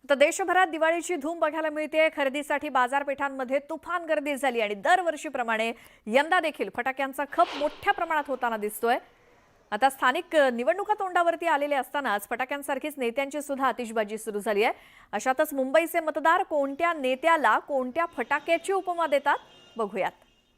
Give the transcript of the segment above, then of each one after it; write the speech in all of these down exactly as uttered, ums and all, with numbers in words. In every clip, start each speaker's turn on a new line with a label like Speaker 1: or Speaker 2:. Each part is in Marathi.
Speaker 1: तर देशभरात दिवाळीची धूम बघायला मिळते। खरेदीसाठी बाजारपेठांमध्ये तुफान गर्दी झाली आणि दरवर्षीप्रमाणे यंदा देखील फटाक्यांचा खप मोठ्या प्रमाणात होताना दिसतोय। आता स्थानिक निवडणुका तोंडावरती आलेले असतानाच फटाक्यांसारखीच नेत्यांची सुद्धा आतिषबाजी सुरू झाली आहे। अशातच मुंबईचे मतदार कोणत्या नेत्याला कोणत्या फटाक्याची उपमा देतात बघूयात।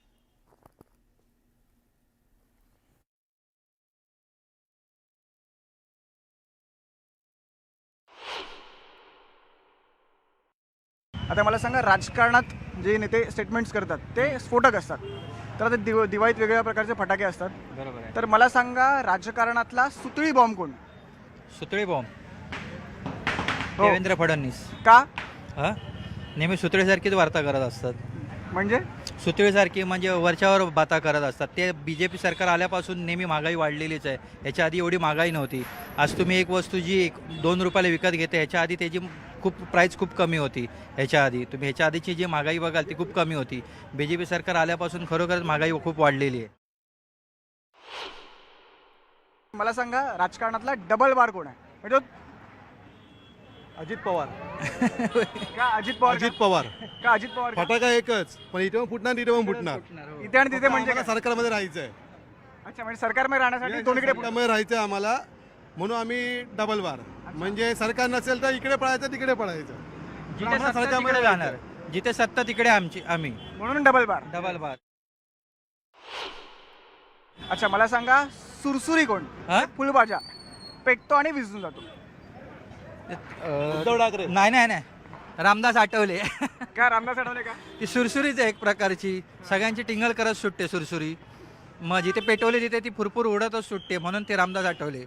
Speaker 2: आता मला सांगा, राजकारणात जे नेते स्टेटमेंट्स करतात ते स्फोटक असतात, तर आता दिव दिवाळीत वेगवेगळ्या प्रकारचे फटाके असतात।
Speaker 3: बरोबर आहे।
Speaker 2: तर मला सांगा, राजकारणातला सुतळी बॉम्ब कोण?
Speaker 3: सुतळी बॉम्ब
Speaker 2: हो.
Speaker 3: देवेंद्र फडणवीस।
Speaker 2: का?
Speaker 3: हां, नेहमी सुतळीसारखीच वार्ता करत असतात।
Speaker 2: म्हणजे
Speaker 3: सुतळीसारखी म्हणजे वरच्यावर बाता करत असतात। ते बी जे पी सरकार आल्यापासून नेहमी महागाई वाढलेलीच आहे। ह्याच्या आधी एवढी महागाई नव्हती। आज तुम्ही एक वस्तू जी एक दोन रुपयाला विकत घेते, ह्याच्या आधी त्याची खूप प्राईस खूप कमी होती। ह्याच्या आधी तुम्ही ह्याच्या आधीची जी महागाई बघाल ती खूप कमी होती। बी जे पी सरकार आल्यापासून खरोखरच महागाई खूप वाढलेली आहे।
Speaker 2: मला सांगा, राजकारणातला डबल बार कोण आहे? म्हणजे तो-
Speaker 4: अजित पवार
Speaker 2: का अजित पवार?
Speaker 4: अजित पवार
Speaker 2: का अजित पवार का?
Speaker 4: फटाका एकच, पण इथे पण फुटणार तिथे पण फुटणार.
Speaker 2: इथे आणि तिथे म्हणजे
Speaker 4: आम्हाला
Speaker 2: काय?
Speaker 4: सरकारमध्ये राहायचं आहे.
Speaker 2: अच्छा, म्हणजे सरकारमध्ये राहण्यासाठी दोन्हीकडे पुढे-
Speaker 4: सरकारमध्ये राहायचं आहे आम्हाला, म्हणून आम्ही डबल बार. म्हणजे सरकार नसेल तर इकडे पळायचं तिकडे पळायचं.
Speaker 3: जिथे
Speaker 4: आम्हाला
Speaker 3: सत्ता
Speaker 4: सरकारमध्ये
Speaker 3: तिकडे
Speaker 4: राहायचं
Speaker 3: जाणार,
Speaker 4: आहे.
Speaker 3: जिथे सत्ता तिकडे आमची आम्ही
Speaker 2: म्हणून डबल बार.
Speaker 3: डबल बार।
Speaker 2: अच्छा, मला सांगा, सुरसुरी कोण?
Speaker 3: हां?
Speaker 2: फुलबाजा पेटतो आणि विझून जातो।
Speaker 4: उद्धव ठाकरे.
Speaker 3: नाही नाही नाही रामदास आठवले।
Speaker 2: का रामदास आठवले का?
Speaker 3: ती सुरसुरीच आहे एक प्रकारची, सगळ्यांची टिंगल करत सुटते सुरसुरी। मग जिथे पेटवली तिथे ती फुरफुर उडतच सुटते, म्हणून ते रामदास आठवले।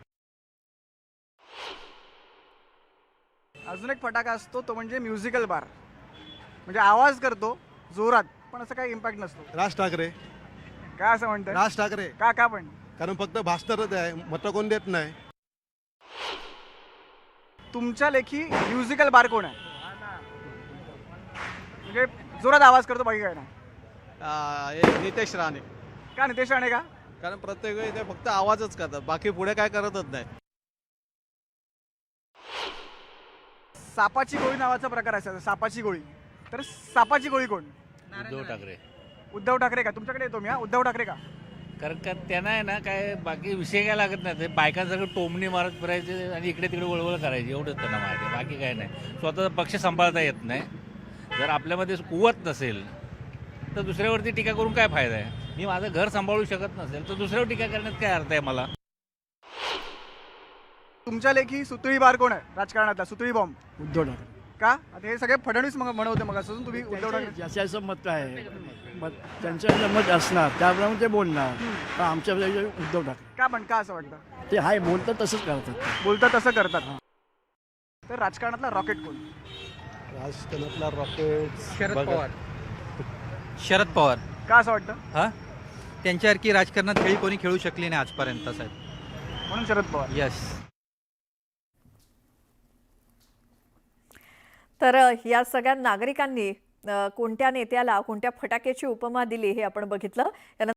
Speaker 2: अजून एक फटाका असतो, तो म्हणजे म्युझिकल बार। म्हणजे आवाज करतो जोरात, पण असं काही इम्पॅक्ट नसतो।
Speaker 4: राज ठाकरे.
Speaker 2: का असं म्हणतात?
Speaker 4: राज ठाकरे.
Speaker 2: का का पण?
Speaker 4: कारण फक्त भास्करच आहे, मतं कोण देत नाही.
Speaker 2: तुमच्या लेखी म्युझिकल बार कोण आहे? म्हणजे जोरात आवाज करतो, बाकी काय नाही।
Speaker 5: नितेश राणे.
Speaker 2: का नितेश राणे का?
Speaker 5: कारण प्रत्येक वेळी ते फक्त आवाजच करतात, बाकी पुढे काय करतच नाही.
Speaker 2: सापाची गोळी नावाचा प्रकार असायचा, सापाची गोळी। तर सापाची गोळी कोण?
Speaker 6: उद्धव ठाकरे.
Speaker 2: उद्धव ठाकरे का? तुमच्याकडे येतो मी। हा, उद्धव ठाकरे का?
Speaker 6: कारण का त्यांना आहे ना, काय बाकी विषय काय लागत नाही. ते बायकांसगळं टोमणी मारत फिरायचे आणि इकडे तिकडे वळवळ करायची, एवढंच त्यांना माहिती आहे, बाकी काय नाही. स्वतःचा पक्ष सांभाळता येत नाही. जर आपल्यामध्ये कुवत नसेल तर दुसऱ्यावरती टीका करून काय फायदा आहे? मी माझं घर सांभाळू शकत नसेल तर दुसऱ्यावर टीका करण्यात काय अर्थ आहे मला?
Speaker 2: तुमच्या लेखी सुतळी बार कोण आहे राजकारणातला? सुतळी बॉम्ब
Speaker 7: उद्धव ठाकरे.
Speaker 2: का? आता हे सगळे फडणवीस मग म्हणवते, मग असं तुम्ही उद्धव ठाकरे.
Speaker 7: ज्याचं मत आहे, मत त्यांचं मत असणार त्याप्रमाणे ते बोलणार. पण आमच्या उद्धव ठाकरे
Speaker 2: का पण? का असं वाटतं?
Speaker 7: ते हाय बोलतात तसंच करतात.
Speaker 2: बोलतात तसं करतात. तर राजकारणातला रॉकेट कोण?
Speaker 4: राजकारणातला रॉकेट
Speaker 3: शरद पवार। शरद पवार
Speaker 2: का असं वाटतं?
Speaker 3: हा, त्यांच्यासारखी राजकारणात खेळी कोणी खेळू शकली नाही आजपर्यंत साहेब,
Speaker 2: म्हणून शरद पवार।
Speaker 3: यस।
Speaker 1: तर या सगळ्या नागरिकांनी अ, कोणत्या नेत्याला कोणत्या फटाक्याची उपमा दिली हे आपण बघितलं।